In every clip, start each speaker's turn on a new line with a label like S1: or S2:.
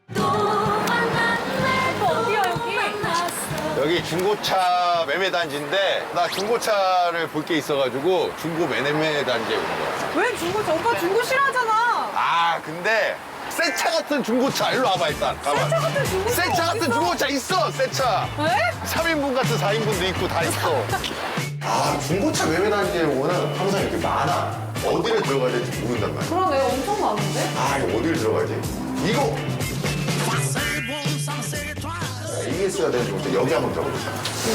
S1: 어디야 여기?
S2: 여기 중고차 매매 단지인데 나 중고차를 볼 게 있어가지고 중고 매매 단지에 온 거야.
S1: 왜 중고차? 오빠 중고 싫어하잖아.
S2: 아 근데 새 차 같은 중고차 일로 와봐 일단 가봐.
S1: 새 차 같은 중고차
S2: 새 차 같은
S1: 어딨어?
S2: 중고차 있어 새 차.
S1: 왜?
S2: 3인분 같은 4인분도 있고 다 있어. 아 중고차 매매 단지에 오면 항상 이렇게 많아. 어디를 들어가야 될지 모른단 말이야.
S1: 그러네, 엄청 많은데?
S2: 아 이거 어디를 들어가지? 이거. AS가 되는 중고차 여기 한번 들어보자.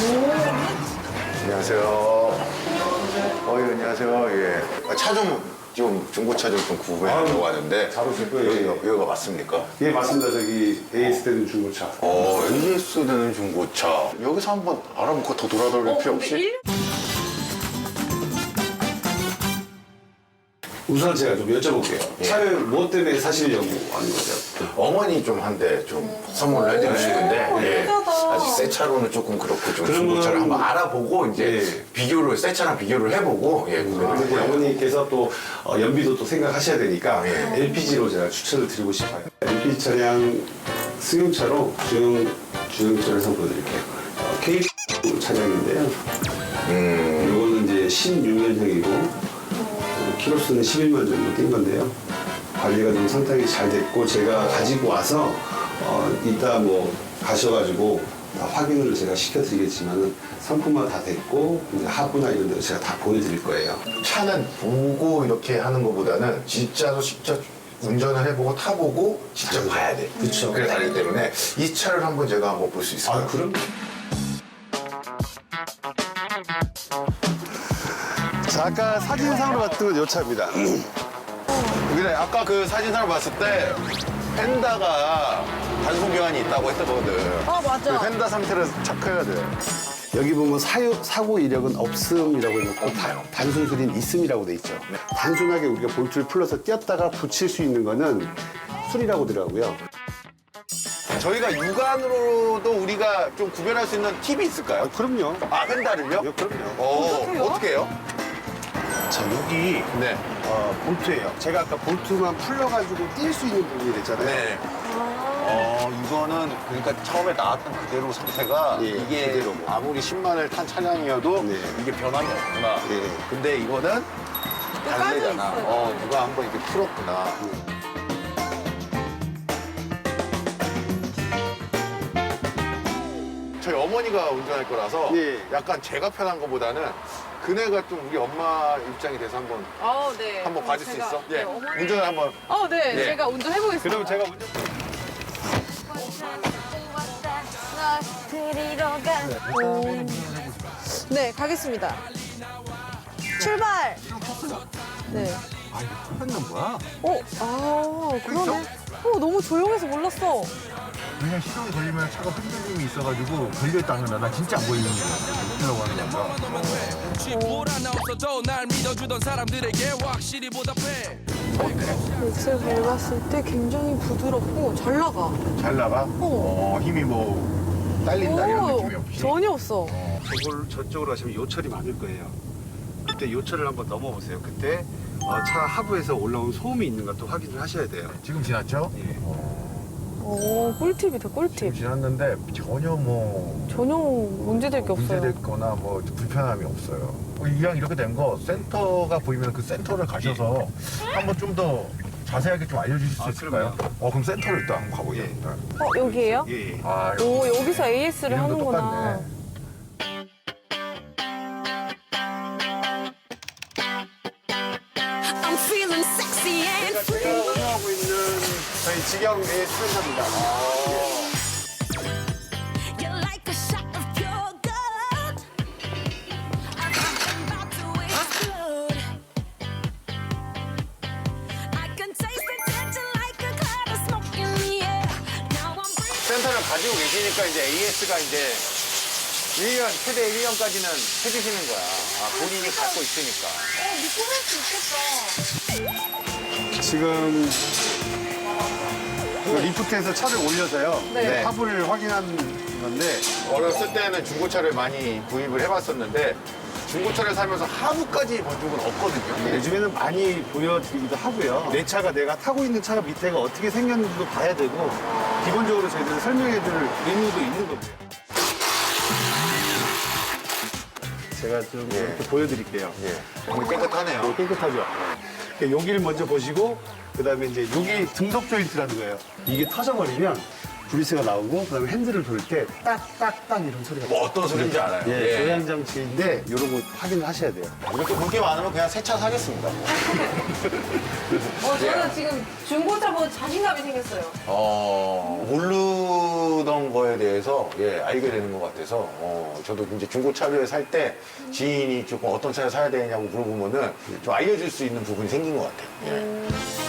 S2: 안녕하세요. 예, 안녕하세요. 예. 차 좀 중고차 좀 구매하려고 하는데
S3: 잘 오실 거예요.
S2: 여기가 맞습니까?
S3: 예, 맞습니다. 저기 AS 되는 중고차.
S2: AS 되는 중고차. 여기서 한번 알아보고 더 돌아다닐 필요 없이?
S3: 우선 제가 좀 여쭤볼게요.
S2: 예.
S3: 차를 무엇 때문에 사시려고 하는 거죠?
S2: 어머니 좀 한 대 좀 선물을 해드리고 싶은데 예.
S1: 예쁘다.
S2: 아직 새 차로는 조금 그렇고 좀
S3: 그러면-
S2: 중고차를 한번 알아보고 이제
S3: 예.
S2: 비교를 새 차랑 비교를 해보고 예 구매를
S3: 근데
S2: 해요.
S3: 어머니께서 또 연비도 또 생각하셔야 되니까
S2: 예.
S3: LPG로 제가 추천을 드리고 싶어요. LPG 차량 주행차를 한번 보여드릴게요. K 차량인데요. 이거는 이제 16년형이고 키로수는 11만 정도 뛴 건데요. 관리가 좀 상당히 잘 됐고 제가 가지고 와서 이따 뭐 가셔가지고 다 확인을 제가 시켜드리겠지만은 상품화 다 됐고 이제 하부나 이런 데 제가 다 보여드릴 거예요.
S2: 차는 보고 이렇게 하는 것보다는 진짜로 직접 운전을 해보고 타보고 직접 봐야 돼.
S3: 그쵸.
S2: 그래 다르기 때문에 이 차를 한번 제가 한번 볼 수 있을까요?
S3: 그럼? 자, 아까 사진상으로 봤던 요 차입니다.
S2: 그래 아까 그 사진상을 봤을 때 펜다가 단속 교환이 있다고 했거든.
S1: 맞아.
S2: 그 펜다 상태를 체크해야 돼.
S3: 여기 보면 사고 이력은 없음이라고 해놓고 단순 수리는 있음이라고 돼 있죠. 단순하게 우리가 볼트를 풀러서 띄었다가 붙일 수 있는 거는 수리라고 하더라고요.
S2: 저희가 육안으로도 우리가 좀 구별할 수 있는 팁이 있을까요?
S3: 그럼요.
S2: 아 펜다를요?
S3: 그럼요.
S2: 어떻게 해요?
S3: 자, 여기
S2: 네.
S3: 볼트예요. 제가 아까 볼트만 풀러가지고 뛸 수 있는 부분이 됐잖아요.
S2: 네. 이거는 그러니까 처음에 나왔던 그대로 상태가
S3: 예,
S2: 이게
S3: 그대로고.
S2: 아무리 10만을 탄 차량이어도
S3: 네.
S2: 이게 변함이 없구나.
S3: 예.
S2: 근데 이거는 다르잖아.
S1: 있어요.
S2: 누가 한번 이렇게 풀었구나. 저희 어머니가 운전할 거라서
S3: 예.
S2: 약간 제가 편한 것보다는 그네가 좀 우리 엄마 입장이 돼서 한번
S1: 네.
S2: 한번 봐줄 수 있어?
S1: 네,
S2: 예.
S1: 어머니.
S2: 운전을 한번.
S1: 네.
S2: 예.
S1: 제가 운전해보겠습니다.
S3: 그럼 제가 먼저.
S1: 네, 가겠습니다. 출발! 네.
S2: 아, 이거 풀었는 거야?
S1: 그러네. 너무 조용해서 몰랐어.
S2: 그냥 시동이 걸리면 차가 흔들림이 있어가지고 걸려있다는 거나 나 진짜 안 보이는 거야. 이라고 하는 건가?
S4: 뭐라나 없어도 날 믿어주던 사람들에게 확실히 보답해.
S1: 엑셀 밟았을 때 굉장히 부드럽고 잘 나가.
S2: 잘 나가? 힘이 뭐 딸린다 이런 느낌이 없이?
S1: 전혀 없어.
S3: 저쪽으로 가시면 요철이 많을 거예요. 그때 요철을 한번 넘어보세요. 그때 차 하부에서 올라온 소음이 있는가 또 확인을 하셔야 돼요.
S2: 지금 지났죠?
S3: 예.
S1: 꿀팁이다, 꿀팁.
S2: 지났는데 전혀 뭐
S1: 전혀 문제될 게 없어요.
S2: 문제됐거나 뭐 불편함이 없어요. 이왕 이렇게 된 거 센터가 보이면 그 센터를 가셔서 한번 좀 더 자세하게 좀 알려주실 수 있을까요? 그럼 센터를 일단 한번 가보겠습니다.
S1: 여기에요?
S3: 예.
S2: 아,
S1: 여기서 AS를
S2: 이름도
S1: 하는구나.
S2: 똑같네.
S5: I'm feeling sexy and free.
S3: 제가 운영하고 있는 저희 직영 AS 센터입니다.
S5: You're like a shot of pure gold. I'm about to explode. I can taste the tension like a cloud of smoke in the air. Now I'm breathing.
S2: 센터를 가지고 계시니까 이제 AS가 이제 1년, 최대 1년까지는 해주시는 거야. 본인이 갖고 있으니까.
S1: 믿고 할 수 있겠다.
S3: 지금 그 리프트에서 차를 올려서요.
S1: 네.
S3: 하부를 확인한 건데
S2: 어렸을 때는 중고차를 많이 구입을 해봤었는데 중고차를 사면서 하부까지 본 적은 없거든요.
S6: 요즘에는 많이 보여드리기도 하고요. 내 차가 내가 타고 있는 차 밑에가 어떻게 생겼는지도 봐야 되고 기본적으로 저희들은 설명해줄 의무도 있는 겁니다. 제가 좀 이렇게 보여드릴게요.
S2: 예. 오늘 깨끗하네요.
S6: 깨끗하죠? 여기를 먼저 보시고 그다음에 이제 여기 등속 조인트라는 거예요. 이게 터져버리면 브리스가 나오고 그다음에 핸들을 돌 때 딱딱딱 이런 소리가
S2: 뭐 어떤 소리인지 알아요.
S6: 예, 조향 장치인데 이런 거 확인을 하셔야 돼요.
S2: 이렇게 볼 게 많으면 그냥 새 차 사겠습니다.
S1: 저는 지금 중고차 보고 자신감이 생겼어요.
S2: 모르던 거에 대해서 알게 되는 것 같아서 저도 이제 중고차를 살 때 지인이 조금 어떤 차를 사야 되냐고 물어보면은 좀 알려줄 수 있는 부분이 생긴 것 같아요. 예.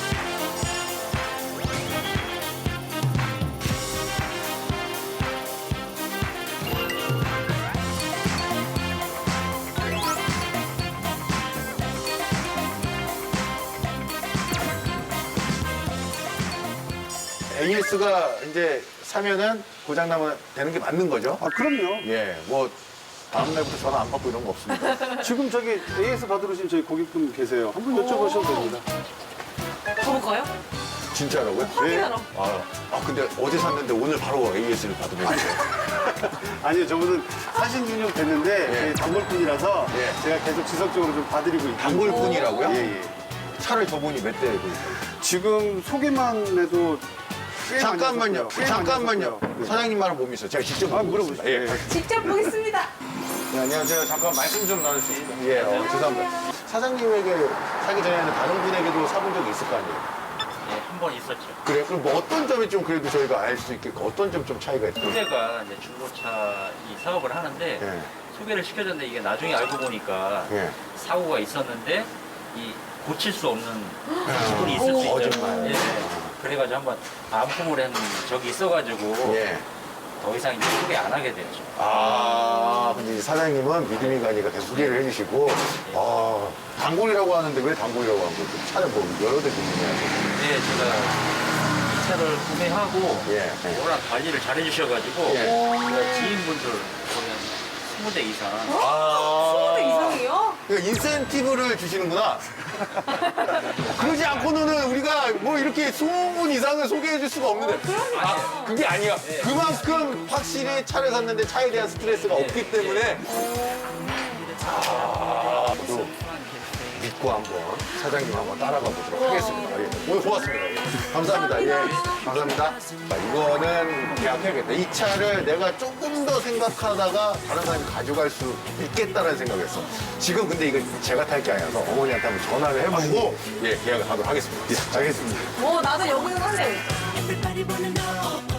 S2: AS가 이제 사면은 고장나면 되는 게 맞는 거죠?
S6: 아, 그럼요.
S2: 예, 뭐 다음날부터 전화 안 받고 이런 거 없습니다.
S6: 지금 저기 AS 받으러 오신 저희 고객분 계세요. 한번 여쭤보셔도 됩니다.
S1: 가볼까요?
S2: 진짜라고요?
S1: 확인하러.
S2: 근데 어제 샀는데 오늘 바로 AS를 받으면 돼요.
S6: 아니요, 저분은 사신 지는 됐는데
S2: 예.
S6: 저희 단골분이라서
S2: 예.
S6: 제가 계속 지속적으로 좀 봐드리고 있고.
S2: 단골분이라고요?
S6: 예, 예.
S2: 차를 저분이 몇 대 보니까.
S6: 지금 소개만 해도 꽤
S2: 잠깐만요.
S6: 많이 썼고요.
S2: 잠깐만요.
S6: 네.
S2: 사장님 말은 못 믿어요. 제가 직접
S6: 물어보시죠.
S2: 예.
S6: 예.
S1: 직접 보겠습니다.
S2: 네, 안녕하세요. 잠깐 말씀 좀 나눌 수 있을까요? 예, 죄송합니다. 사장님에게 사기 전에는 다른 분에게도 사본 적이 있을 거 아니에요?
S7: 네, 한 번 있었죠.
S2: 그래요? 그럼 뭐 어떤 점이 좀 그래도 저희가 알 수 있겠고 어떤 점 좀 차이가 있어요?
S7: 후배가 이제 중고차 이 사업을 하는데
S2: 예.
S7: 소개를 시켜줬는데 이게 나중에 알고 보니까
S2: 예.
S7: 사고가 있었는데 이 고칠 수 없는 부분이 있을 수 있죠.
S2: 거짓말.
S7: 예. 그래가지고 한번 반품을 한 적이 있어가지고
S2: 예.
S7: 더 이상 이제 소개 안 하게 됐죠.
S2: 근데 이제 사장님은 믿음이 가니까 계속 소개를 해주시고, 단골이라고 하는데 왜 단골이라고 한 거죠? 차를 뭐 여러 대 구매하고.
S7: 네, 제가 이 차를 구매하고
S2: 예.
S7: 워낙 관리를 잘해주셔가지고
S2: 예.
S7: 제가 지인분들 거의 한 20대 이상
S1: 20대 이상이요?
S2: 그러니까 인센티브를 주시는구나. 그러지 않고는 우리가 뭐 이렇게 20분 이상을 소개해 줄 수가 없는데. 그게 아니야. 그만큼 확실히 차를 샀는데 차에 대한 스트레스가 없기 때문에. 또 믿고 한번 사장님 한번 따라가 보도록 하겠습니다. 예. 오늘 고맙습니다. 예. 감사합니다. 예. 감사합니다. 이거는 계약해야겠다. 이 차를 내가 조금 더 생각하다가 다른 사람이 가져갈 수 있겠다는 생각했어. 지금 근데 이거 제가 탈 게 아니라서 어머니한테 한번 전화를 해보고 계약을 하도록 하겠습니다. 예, 알겠습니다.
S1: 나도 여기서 살래.
S5: Everybody wanna know.